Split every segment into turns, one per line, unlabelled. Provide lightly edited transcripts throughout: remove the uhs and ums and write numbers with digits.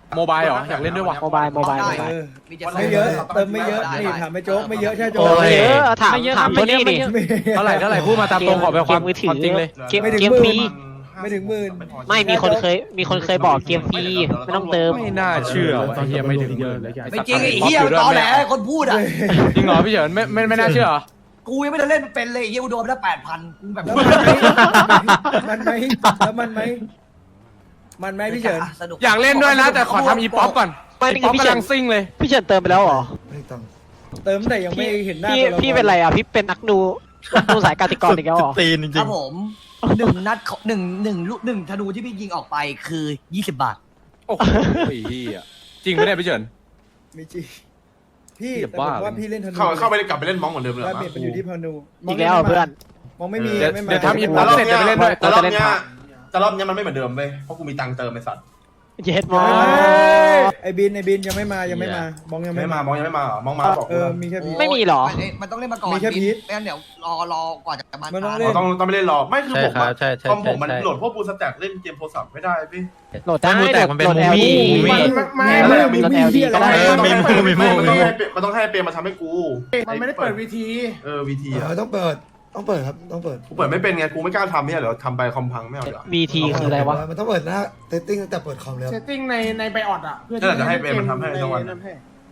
โมบายเหรออยากเล่นด้วยวะ
โมบาย
ไม่เยอะเติมไม่เยอะนี่ถามไม่โจ๊กไม่เยอะใช่โจ๊ก
โอ้ยถามตัวนี้ดิ
เท่าไหร่พูดมาตามตรงขอเป็นความ
มือถือ
จริงเลย
เกมฟรี
ไม่ถึงหมื่น
ไม่มีคนเคยบอกเกมฟรีไม่ต้องเติม
ไม่น่าเชื่อว่ะไอ้เฮียไม่ถึงเยอะเลย
ไม่จริงไอ้เหี้ยมันตอแหลคนพูดอ่ะ
จริงเหรอพี่เฉินไม่น่าเชื่อเหรอ
กูยังไม่ได้เล่นเป็นเลยไอ้เหี้ยกูโดนไปแล้ว8,000กูแบบ
แล้วมันไหมแล้วมันไหมพี่เฉิน
สนุก
อยากเล่นด้วยนะแต่ขอทำอีป๊อปก่อน
ไม่
อีป๊อป
พี่
กำ
เฉิ
ลั
น
งซิ่งเลย
พี่เฉินเติมไปแล้วเหรอ
ไม่ต้อง
เติมแต่ยังไม่เห็นหน้า
พี่เป็นไรอ่ะพี่เป็นนักดูสายกสิกรอีกแล้วเหรอ
ตีนจ
ค
ริ
รั
ง
บผมหนึ่งธนูที่พี่ยิงออกไปคือ20 บาท
โอ้โหเฮียจริงไหมเนี่ยพี่เฉิน
ไม่จริงพี่
อย่า
แต่
บ้า
ผมว่าพี่เล่นธนู
เข้าไปกลับไปเล่นมองเหมือนเดิมเลย
ว่าเบียดมันอยู่ที่พานู
อีกแล้วเพื่อน
มองไม่มี
เดี๋ยว
ไม่มา
เดี๋ยวทำอีป๊อปเสร็จจะไปเล่นด้วย
แต่รอบเนี้ยมันไม่เหมือนเดิมเว้ยเพราะกูมีตังค์เติมไอ้สัตว์
เย็ดมอ
ไอ้บินยังไม่มาบองยัง
ไม่
ไม่
มา
มา
มองยังไม่มาบอก
เออมีแค่พี
ไม่มีหรอ
มันต้องเล่นมาก่อน
มีแค่พีช
ไม่งั้นเดี๋ยวรอกว่าจะมา
มันต้อง
ทาน
เล่น
ต้องไม่เล่นรอไม่คือ
ใช่
ผม
ครับใช่
คอมผมมันโหลดพวกบูสแต็กเล่นเกมโทรศัพท์ไม่ได้พี่
โหลดได้
มูแตกมันเป็น
โหลด
มูมี่
LD
มูมี่
ก็ได้
มันต้องให้เปรมมาทำให้กู
มันไม่ได้เปิดวีที
วีทีอ่ะ
ต้องเปิดครับต้องเปิด
กูเปิดไม่เป็นไงกูไม่กล้าทำเนี่ยเดี๋ยวทำไปคอมพังไม่เอาเดี๋ยว
BT คืออะไรวะ
มันต้องเปิดหน้าเซตติ้งตั้งแต่เปิดคอมแล้ว
เซตติ้งในไบออดอ่ะ เพื่อ
จะให้เปรมมันทำให้ทั้งวัน
นั่นให้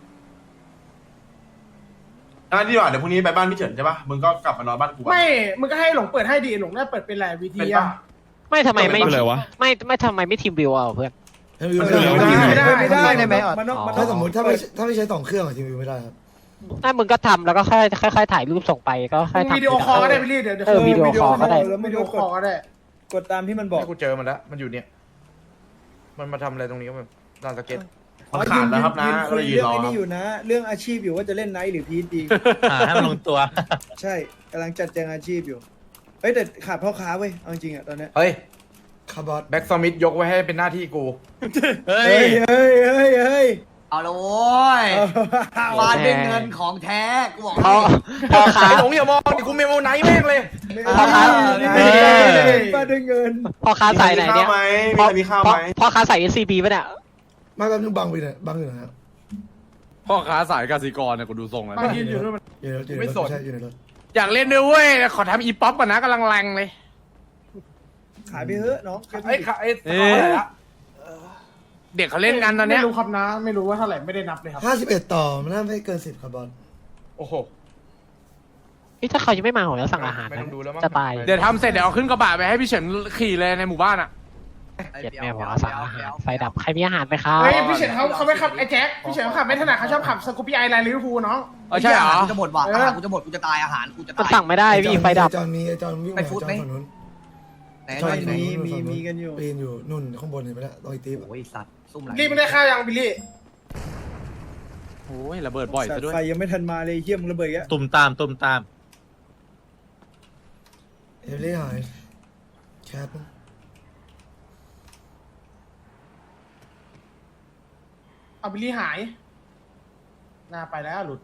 นี่ดีกว่าเดี๋ยวพรุ่งนี้ไปบ้านพี่เฉินใช่ปะมึงก็กลับมานอนบ้านกู
ไม่ มึงก็ให้หลงเปิดให้ดีหลงได้เปิดเป็นแหละวีที
เป็น
อ่ะ
ปะ
ไม่ทำไมไม่
เป็นไรวะ
ไม่ทำไมไม่ทีมวิวอ่ะเพื่อน
ไม่ได้ในแม่มันต้อง
ถ้าสมมติถ้าไม่ใช้2 เครื่องทีวีไม่ได้ครับ
ถ้ามึงก็ทำแล้วก็ค่อยถ่ายรูปส่งไปก็ค่อยทำ
วิดีโอคอลก็ได้พี่ลี่เดี๋ยว
วิดีโอคอลก็ได้
แล้ว
วิ
ไม่
ดี
รู้
โอก คอล
ด
ก็ได้
กดตามที่มันบอก
กูเจอมันแล้วมันอยู่เนี่ยมันมาทำอะไรตรงนี้ก็แบบลานสเก็ต
มันขาดแล้วครับนะ
ยืน
ก็
คุ
เลย ยยืน
เรื่อง
รอ
ไอ้
ครั
นี่
บ
อยู่นะ เรื่องอาชีพอยู่ว่าจะเล่นไนท์หรือพีทดี
ให้มันลงตัว
ใช่กำลังจัดแจงอาชีพอยู่เฮ้ยแต่ขาดพ่อค้าเว้ยเอาจริงอ่ะตอนเนี้ย
เฮ้ย
คาร์บอน
แบ็กซมิธยกไว้ให้เป็นหน้าที่กู
เฮ้
เฮ้
ย
ยเฮ้ยเฮ้ยเฮ้ย
เอาละโว้ยฟาดด้วยเงินของแท้กูบอก
พ่อค้า
ไอ้หลงอย่ามองดิกูเมโมไนท์แม่งเลย
พ่อค้า
ป้าด้วยเงิน
พ่อค้าใส่ไหนเนี่ย
มีข้าวไหม
พ่อค้าใส่ SCB ป่ะเนี่ย
มาแป๊บนึงบังไปเนี่ยบังอยู่นะครับ
พ่อค้าสายกสิกรเนี่ยกูดูทรงแล้ว
มันยืนอยู่ด้วยมัน
อยู่ในรถใช่อยู่ในรถ
อยากเล่นด้วยเว้ยขอทำอีป๊อปก่อนนะกำลังแรงเลย
ขายไปเถอะน้อง
ไอ้ขาไอ้เท่าไหร่ละเด็กเขาเล่นกันตอนเนี้ย
ไม่รู้ครับนะ ไม่รู้ว่าเท่าไหร่ไม่ได้นับเลยครับ
51ต่อมันน่าไม่เกิน10คาร์บอน
โอ้โห
ถ้าเขายังไม่มาผมจะสั่งอาหาร
ไม่
นะ
ต้องดูแล้วมั้ง
จะตาย
เดี๋ยวทำเสร็จเดี๋ยวเอาขึ้นกระบะไปให้พี่เฉินขี่เลยในหมู่บ้านอ่ะ
เจ็ดแม่ผมเอาสั่งอาหารไฟดับใครมีอาหารไหมครับ
เฮ้ยพี่เฉินเขาไม่ขับไอ้แจ็คพี่เฉินเขาขับไม่ถนัดเขาชอบขับสกูปี้ไอไลน์ลิเวอร์พูลน้อง
ใช่เหรอ
กูจะหมดว่ะอาหารกูจะหมดกูจะตายอาหารกูจะ
มัน
ตาย
สั่งไม่ได้พี่ไฟดับ
จอนวิ่ง
ไป
มา
ฟุต
จอ
ไหม
นฝั่งนู้น
ไหน
จอ
ไหน
น
ไหน
มีกันอยู่
ปีนอยู่นุ่นข้างบนเห็นไหมล่ะตรงไอ้ตีบ
โอ้ยสัตว์ซุ่มไหล
รีบไม่ได้ข้าวยังบิลลี่
โอ้ยระเบิดบ่อยซะด้วย
ไฟยังไม่ทันมาเลยเฮี้ยมงระเบิดอ่ะ
ตุ่มตาม
เอลลี่หายแคท
เอาบิลลี่หายหน้าไปแล้วหลุด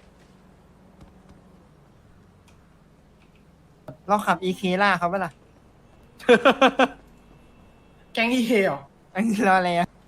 เราขับ EK ล่าเขาเปล่า
แก๊งอีเคเหรอ
อันนี้รออะไรอ่ะ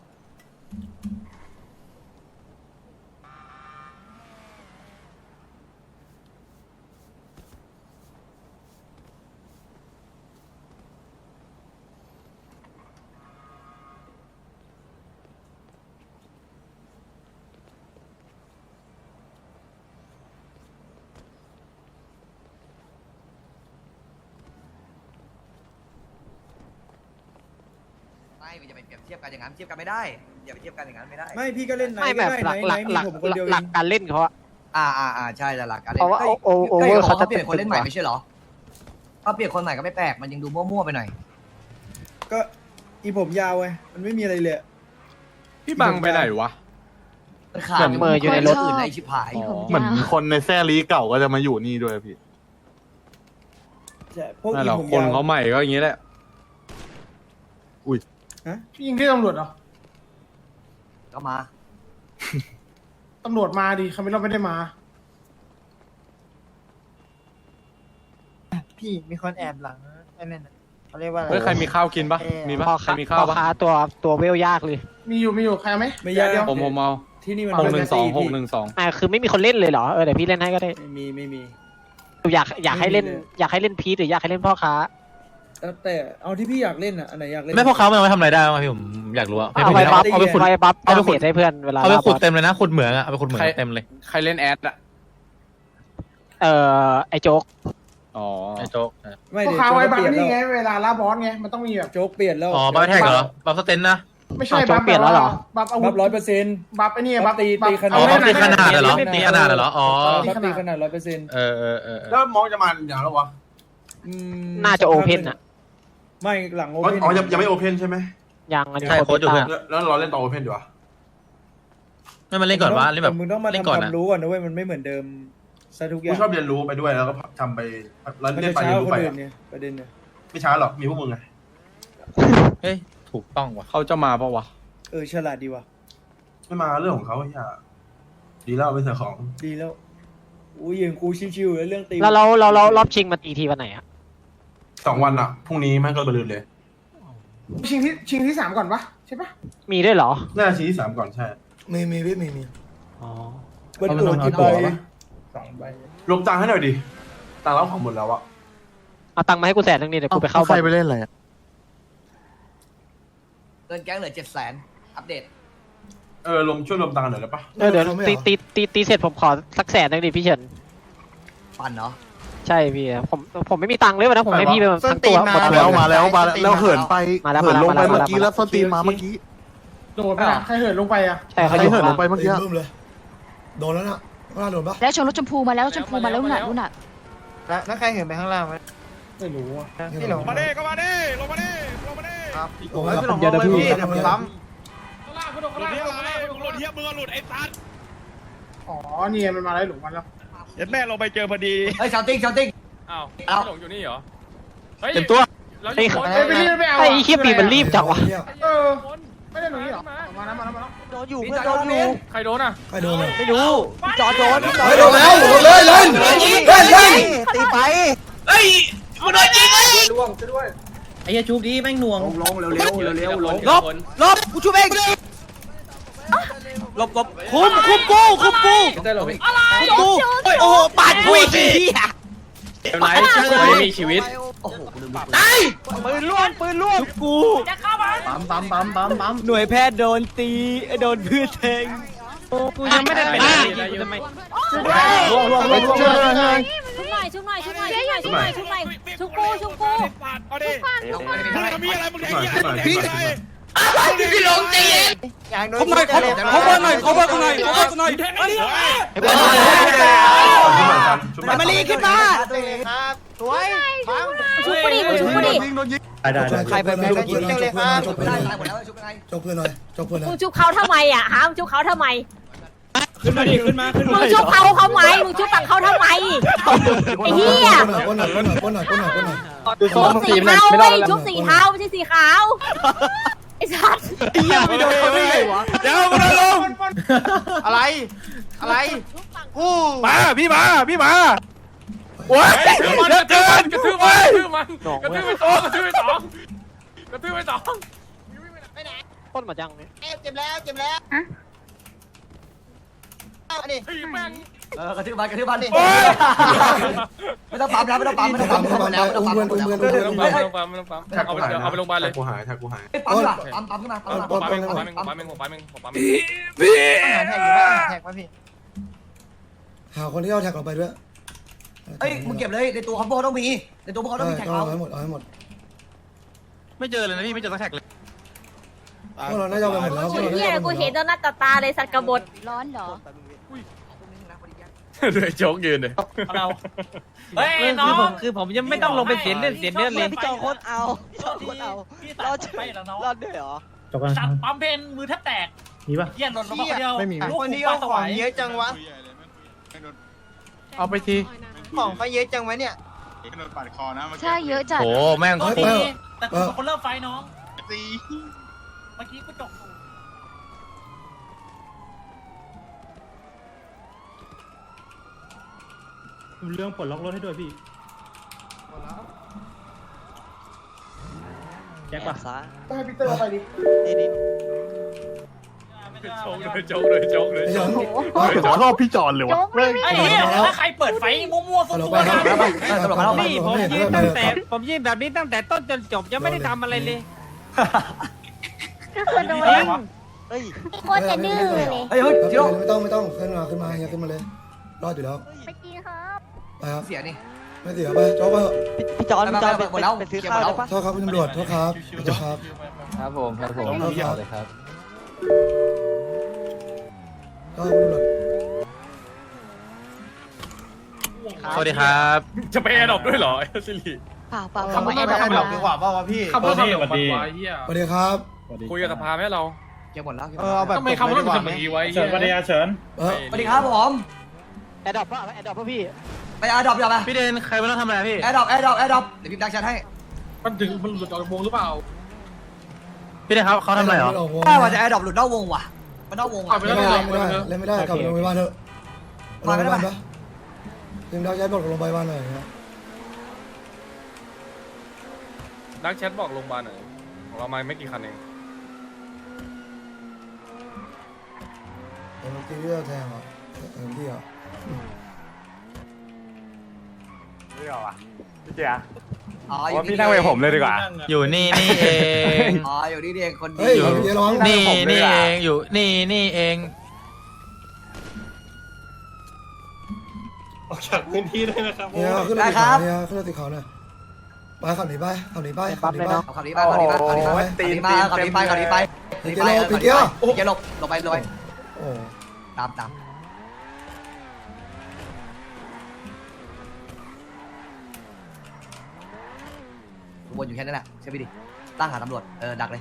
ไม่อย่าไปเปรียบเทียบกันอย่างนั้นเทียบกันไม่ได้อย่าไปเทียบกันอย่างนั้นไม่ได้
ไม่พี่ก็เล่นไน
ไม่
ท์
แบ
ก็
บ
ได้
หลัก
ไนท์มีผมคนเดียวเอ
หลัก
ง
การเล่นเขาอะ
ใช่แต่หลักการ
เพราะว่าโอเวอร์
เขา
เขาจะ
เปลี่ยนคนเล่นใหม่ไม่ใช่เหรอถ้าเปลี่ยนคนใหม่ก็ไม่แปลกมันยังดูมั่วๆไปหน่อย
ก็อีผมยาวไงมันไม่มีอะไรเลย
พี่บังไปไหนวะ
มันขาด
เมออยู่ในรถ
อื่นในชิบหาย
เหมือนคนในแซ่ลีเก่าก็จะมาอยู่นี่ด้วยพี่
ใช่พวก
นั่น
อี
แหละ
ผม
คน
ยาว
เขาใหม่ก็อย่างนี้แหละ
พี่ยิงที่ตำรวจเหรอ
ก็มา
ตำรวจมาดิคาเมลอนไม่ได้มา
พี่มีคนแอบหลังไอ้นั่นน่ะเขาเรียกว่าอะไร
เฮ้ยใครมีข้าวกินปะมีปะ
พ่อ
ใคร
ค้า
มีข้าว
พ่อ
ปะ
ค้าตัวเวลยากเลย
มีอยู่ใครเอาไหม
ไม่ยาก
เดี๋ยว
ผมเอา
ที่นี่มัน
612
พี่
612
คือไม่มีคนเล่นเลยเหรอเดี๋ยวพี่เล่นให้ก็ได้
ไม่มี
อยากให้เล่น
ไม่มีเลย
อยากให้เล่นพีทหรืออยากให้เล่นพ่อค้า
แต่เอาที่พี่อยากเล่นอ่ะอันไหนอยากเล่น
ไม่พวกเขามันเอาไปทำอะไรได้บ้างพี่ผมอยากรู้อะ
เอาไปบัฟ
เอาไปขุด
เอาไปบัฟ
เอาไปขุด
ดาเมจให้เพื่อนเวลา
เอาไปขุด
บอส
เต็มเลยนะขุดเหมืองอะเอาไปขุดเหมืองเต็มเลย
ใครเล่นแอดอะ
ไอโจ๊ก
อ๋อ
ไอ้โจ๊ก
ไม่
พวก
เดี๋ยว
เขา
โจ๊
ไว้
ก
บั
เป
ฟ
ลี่ยน
นี่ไง
แล้ว
เวลาล่าบอสไงมันต้องมีแบบ
โจ๊กเปลี่ยนแล้ว
อ๋อบัฟแท็กเหรอบัฟสเตนนะ
ไม่ใช่
โจ๊กเปลี่ยนแล้วเหรอ
บัฟอาวุ
บั
ธ
ฟ100%
บัฟไอ้นี่บัฟ
ตีขนาด
อ๋อบัฟตีขนาด
เอ
เหรอ
ไม่
ตีขนาดเหรออ๋อ
บัฟตีขนาด100%
เออ
แล้วมองจะมาอย่างแล้ววะ
น่าจะโอเพนอะ
ไม่หลังโอ
อ๋อ
เพน
อ๋อยังไม่โอเพนใช่ไหม
ยังอันนี้
ใช่โค้ชอยู่เพื่อน
แล้วเราเล่นต่อโอเพนดีวะ
ไม่มาเล่นก่อนวะเล่นแบบ
มึงต้องมา
เล่น
ทำ
ก่
ค
อน
วา
อะ
มรู้ก่อนนะเว้ยมันไม่เหมือนเดิมซะทุกอ
กู
ย่าง
ชอบเรียนรู้ไปด้วยแล้วก็ทำไปแล้ว
มัน
เล่น
จะ
ไป
ช้า
เรียน
กว่า
รู้
คน
ไป
อื่นเนี่ยประเด็นเนี่ย
ไม่ช้าหรอกมีพวกมึงไง
เฮ้ยถูกต้องว่ะ
เขาจะมาปะวะ
ฉลาดดีว่ะ
ไม่มาเรื่องของเขาไอ้ห่าดีแล้วเป็นเสือของ
ดีแล้วอุ้ยอย่างกูชิวๆแล้วเรื่องตี
แล้วเรารอบชิงมาตีทีวันไหนอะ
2 วันอ่ะพรุ่งนี้แม่งก็บรรลุเลย
ชิงที่ 3ก่อนปะใช่ปะ
มีด้วยเหรอ
น่าจะชี้ที่ 3ก่อนใช่
มีพี่มี
อ๋อ
มันตัวกี่ใบ
2 ใบ
ลบตังค์ให้หน่อยดิตังค์เราของหมดแล้วอะ
เอาตังค์มาให้กู100,000นึงดิเดี๋ยวกูไปเข้าบ
ใค
อ
ร
ล
ไปเล่นอะไรอะ
เงินแก๊งเหลือ700,000อัปเดต
ช่วยรวมตังค์หน่อยได้ปะ
เดี๋ยวตีเสร็จผมขอสัก100,000นึงดิพี่เฉิน
ปั่นเนาะ
ใช่พี่ผมไม่มีตังค์เลยวันนั้นผมให้พี่ไปทั้งตัวหมด
ส้นตีน
ตัว
มา
แล้วเหินไป
มาแล้ว
เหินลงไป
มาแล้ว
เมื่อกี้แล้วส้นตีนมาเมื่อกี้
โดดไปอะใครเหินลงไปอะ
ใช่
ใคร
เขาอยู่
เหินลงไปเมื่อกี้
บึ้มเลย โดนแล้วนะว่าโดนปะ
แล้วชนรถชมพูมาแล้วรถชมพูมาแล้วนู่นน่ะนู่นน่ะ
แล้วใครเห็นไปข้างล่างไหม
ไม่รู้อะ
พี่หลง
มาดิ
ก็มาดิลงมาดิ
ครับ
โอ้
พี่หลงลงไปพี่เดี๋ยวผมปั๊ม
อ๋อนี่ไงมันมาแล้วหลุมมันแล้ว
เห็นแม่ลงไปเจอพอดี
เฮ้ยชาวติ้ง
อ้าว
เอา
หลงอยู่นี่เหรอ
เต็มตัว
ไอ้
ไปรีบไปเอา
ไอ้เคียปีมันรีบจังวะ
เออไม่ได้หนูนี่หรอมาแล้ว
โดนอยู่
พี่
เพื่อน
จ
โด
อน
อ
อยู่
ยู่
ใครโดนอ่ะ
ใครโดนอ่ะ
ไม่รู้พี่จอโดนพี่จอ
เฮ้ยโดนแล้วโดนเลยเล่นเล่น
ตีไป
ล่วงจะด้วย
ไอ้ยาชุบดีแม่งหน่วง
ลงเร็วลง
ลบกูช่วยเองลบคุมกู
ได้หรอพี่
กูโอ้โหปาดกูอีกที
เป็นไรไม่มีชีวิต
โอ้โหกูลืม
ปืนล่วงกู
ปั๊ม
หน่วยแพทย์โดนตีโดนพืชแทง
กูยังไม่ได้เป็นอะไรเลย
ล่วง
ชุบหน่อยชุบหน่อยชุบหน่อยชุบหน่อยชุบหน่อยชุบหน่อยชุบกูชุบกู
มีอะไรมึง
หน่อยหน่อย
พี่หลงตีอย่างโดนเขาหน่อยเขาหน่อยมาลีขึ้นมาครับสวยบัง
ชุบกูดิชุบกูดิ
ได้
ใครไปเป็นยิงจังเลยครับ
จบ
ไม่ได้ตายหมดแล้วชุบยังไง
จบเพื่อนหน่อยจบเพื่อนหน่
มึ
อง ย
ชุบเขาทำไมอ่ะฮะมึงชุบเขาทำไม
ขึ้นมา
มึงชุบเขาทำไมมึงชุบฝั่งเขาทำไมไอ้เหี้ย
ก้นหน่อย
ชุบสีเทาเว้ยชุบสีเทาไม่ใช่สีขาวไอ้สัส
ไม่โดนเขาได้ไงวะ
เดี๋ยวมาลง
อะไรกู
มาพี่มาโอ้ยเยอะเกินกระทืบมันกระทืบไปสอง
ต้นมาจังเนี่ย
เจ็บแล้วอันนี้
กระทืบมันดิ
โอ้ย
ไม่ต้องปั๊มแล้วไม่ต้องปั๊มไม่ต้องปั๊มหมดแล้วไม่ต้องปั๊มหมดแล้ว
ไม่ต้องปั๊มเอาไปโรงพยาบาลเลย
กูหายกูหาย
ปั๊มละปั๊มขึ้นมาปั๊ม
ผมปั๊มเอง
อาหารแท็กอยู่ป่ะแท็กป่ะพี่
หาคนที่เอาแท็กเราไปด้วย
เอ้ยมึงเก็บเลยในตัวคอมโบต้องมีในตัวพวกเขาต้องมีแท็กเรา
เอาให้หมด
ไม่เจอเลยนะพี่ไม่เจอสักแท็กเลย
พวกเราน่าจะเอาไปหมดแล้ว
ไอ้เหี้ยกูเห็นตอนหน้าตาเลยสัตว์กบฏร้อนเหรอ
เลยโจ๊กยืนเลย
เฮ้ยน้องคือผมยังไม่ต้องลงไปเสียเลือดเลย
พี่จอโคตรเอารอดด้วยเหรอ
จบกัน
สัตว์ปั๊มเพนมือแทบแตก
มีป่ะ
เหี้ยหล่นลงมาคนเดียว
ไม่มี
คนที่เอาของเยอะจังวะ
เอาไปที
ของเขาเยอะจังวะเนี่ย
ใช่เยอะจัด
โอ้แม่ง
แต่กูเป็นคนเริ่มไฟน้องเมื่อกี้กูจบ
เรื่องปลดล็อกรถให้ด้วยพี่แจ็คป่ะ
ก็ให้พีเตอร์เข้าไปดิ
โจ๊กเลยโจ๊กเลยโจ๊กเลย
ไอ้เฉิน
ชอบพี่จอนเลยวะ
ไอ้เหี้ยถ้าใครเปิดไฟมั่วๆ
ฮัลโหล
ฟุ้
ไป
งๆ
ครับ
นะ
นี่ผมยืนตั้งแต่ผมยืนแบบนี้ตั้งแต่ต้นจนจบยังไม่ได้ทำอะไรเลย
ก็คือโดน
จริง
โคตรจะดื้อเลย
เฮ้ยจิโร่
ไม่ต้องขึ้นมาอย่าขึ้นมาเลยรอดอยู่แล้ว
ไปกินครับ
ไปครับ
เสียนี่
ไม่เสียไปโจ๊กไป
พี่จอนหมดแล้วไปซื้อข้าวได้ปะ
โทษครับคุณตำรวจโทษครับโทษครับ
ครับผมครับผม
โทษครับ
เลยครับ
โทษคุณตำรวจ
สวัสดีครับ
จะไปแอร์ดรอปด้วยเหรอสิริ
เปล่าเปล่า
ขับรถไปขับรถดีกว่าเปล่าวะพี่
ขับรถทำแบบนี้วะเฮีย
สวัสดีครับ
คุยกับสภาไหมเรา
เก็บหมดแล้ว
เอาแบบ
ทำไมขับรถถึงแบบนี้ไว้เฮีย
สวัสดีเฉิน
เออ
สวัสดีครับผม
แอดดอปป่ะแอดดอปป่ะพี่
ไปแอร์ดรอปอย่าไป
พี่เดนใครไม่ต้องทำอะไรพี่
แอร์ดรอปเดี๋ยวพี่ดักชันให้
มันถึงมันหลุดออกจากวงหรือเปล่า
พี่เดนเขาทำอะไรเหรอ
ถ้าว่าจะแอร์ดรอปหลุดนอกวงว่ะมันนอกวงว่ะ
เอาไป
เล่น
แล้ว
ไม่ได้เล่นไม่ได้กลับโรงพยาบาลเถอะโรงพยาบาลปะทีมดาวย้ายบอกโรงพยาบาลหน่อยนะ
ดักแชทบอกโรงพยาบาลหน่อยของเรามาไม่กี่คันเอง
เอ็มตีที่เราแทงเหรอเอ็มที่เหรอ
อ๋อ
ว่าพี่นั่งไปผมเลยดีกว่า อยู่นี่เอง
อ๋ออยู่นี่เองคนดี
เฮ้ยเดี๋ยวร้อง
นี่เองอยู่นี่เอง
ออกจากพื้นที่ได้นะครับ
เนี่ยขึ้นรถติดเขาเนี่ยขึ้นรถติดเขาหน่อยไปขับหนีไปขับหนีไปขับหนีไป
ขับนี้ไปขับนี้ไปขับนี้ไปขับนี้ไปขับนี้ไป
ปีเกียวปีเกียว
เกียร์ลงไป
โอ้
ตามวนอยู่แค่นั้นแหละใช่ไหมดิตั้งหาตำรวจดักเลย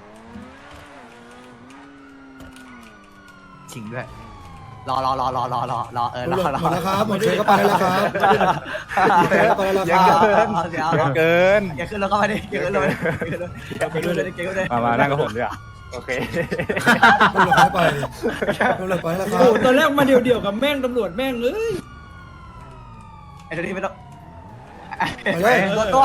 ชิงด้วยรอ
หมดแล้วครับหมดเชยก็ไปแล้วครับไปแล้วครับ
เกิน
อย่าขึ้นรถเข้าไปดิอย่าขึ้นรถเลย
มานั่งกับผมดีกว่าโอเค
ตำรวจไปตำรวจไปแล้วครับ
โอ้ตอนแรกมาเดี่ยวกับแม่งตำรวจแม่งเอ้ย
ไอ้ตัวนี้ไม่ต้อง
ไปเลย
ตัว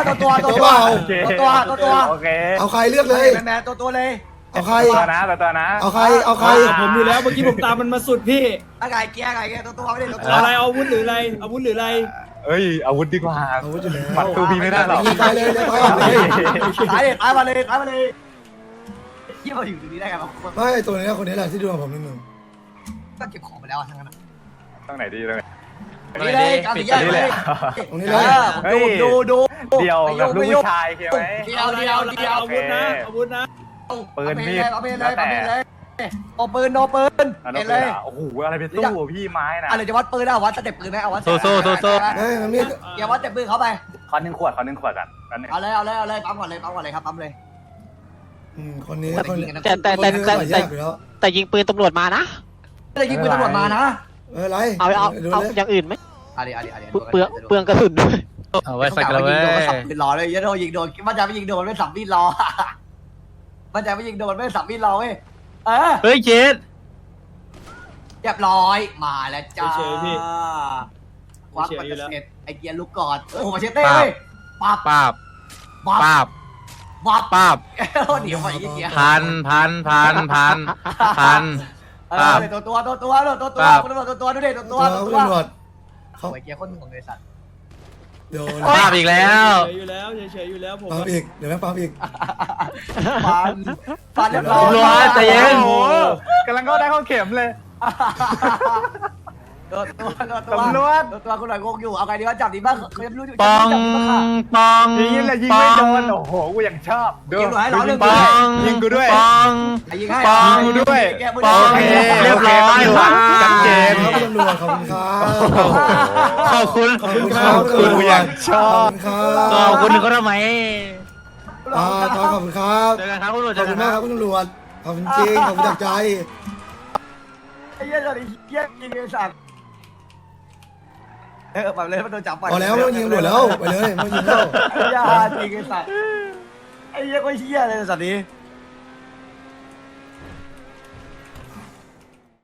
โอเค
เอาใครเลือกเลย
แมนตัวเลย
เอาใคร
ตัวนะ
เอาใครเอาใคร
ผมอยู่แล้วเมื่อกี้ผมตามมันมาสุดพี่
ไก่เกียร์ตัวไม่ได้ตัว
อะไรอาวุธหรืออะไรอาวุธหรืออะไร
เอ้ยอาวุธดีกว่า
อาวุธอยู่แล้ว
ปัดตูพีไม่ได้หรอก
ไปเลยไปก่อนเลย
ตายมาเลยยี่มาอยู่ตรงนี้ได้ไงวะ
ไม่ตัวนี้คนนี้แหละที่ดูผมนิดนึง
ก็เก็บของไปแล้วทั้งนั้น
ตรงไหนดีตรงไหน
นี่เลยการสีแยกเลย
ตรงนี้เลย
ดู
เดียวแบบลูกผู้ชายใช่ไหม
เดียว
อาวุธนะอาวุธนะ
ปืนมีด
เอาปืนเลยโอปืน
อัน
เอ็
นั้น
นเลย
โอ้โหอะไรเป็นตู้พี่ไม้นะ
อะไรจะวัดปืนนะวัดสเต็ปปืนไหมเอาวัด
เฮ้ยมันมี
อย่าวัดสเต็ปปืนเข้าไป
ขอ1 ขวดกันนั่นเอง
เอาเลยปั๊มก่อนเลยครับปั๊มเลย
คนนี้คนนี้
แต่ยิงปืนตำรวจมานะ
จะยิงปืนตำรวจมานะ
ไร
เอาอย่างอื่นไหม
อะไร
เปลืองกระสุนด้วย
เอาไว้ใส่กันเลย
ยิงโดนก็สับมีดรอเลยยันโดนยิงโดนมันจะไม่ยิงโดนไม่สับมีดรอมันจะไม่ยิงโดนไม่สับมีดรอเว้ย
เฮ้ยเจด
เรียบร้อยมาแล้วจ้า
เฉยพี่
ควักมันจะเสร็จไอเกียร์ลูกกอดโอ้โหมาเชเต้เลยปั๊บ
ป้าบ
วับ
เดี๋ยว
ไปอีกเกียร์
พัน
ตัวดูดิตัว
ตำรวจเขา
ไอเกียร์คนของบริษัท
โดน
ป้าบอีกแล้ว
เฉยอยู่แล้วเฉยอยู่แล้วผม
ปั๊มอีกเดี๋ยวแม่ปั๊มอีก
ฟันเรียบร้อย
ตำรวจใจเย็น
กำลังก็ได้เข้าเข็มเลย
ตัวคุณหน่อยงงอยู่เอาไงดีว่าจับดีบ้างเขายังไม่รู้อยู่
ปอง
ยิงเลยยิงไม่โดนโอ้โหกูยังชอบ
ยิงหน่อยร้อยหนึ่ง
ปอง
ยิงกูด้วย
ปอง
ยิงให้
ปอง
กูด้วย
ปองเรียบร้อยว่ะชัดเจน
ครับตำรวจขอบคุณครับ
ขอบคุณ
ขอบคุณครับ
กูอยากชอบ
ขอบคุณครับ
ขอบคุณเขาทำไม
ขอบคุณครับ
เจอกันครับคุณตำรวจ
ขอบคุณมากครับคุณตำรวจขอบคุณจริงขอบคุณจากใจ
ไอ้เหี้ยตอนนี้เหี้ยยิงไอ้สัตว์แบบเลยมันโดนจับไป
พอแล้วไม่ต้องยิงตำรวจแล้วไปเลยไม่ต้องยิงแล้ว
ไอ้เหี้ยจริงไอ้สัตว์ไอ้เหี้ยก็เหี้ยเลยสัตว์นี้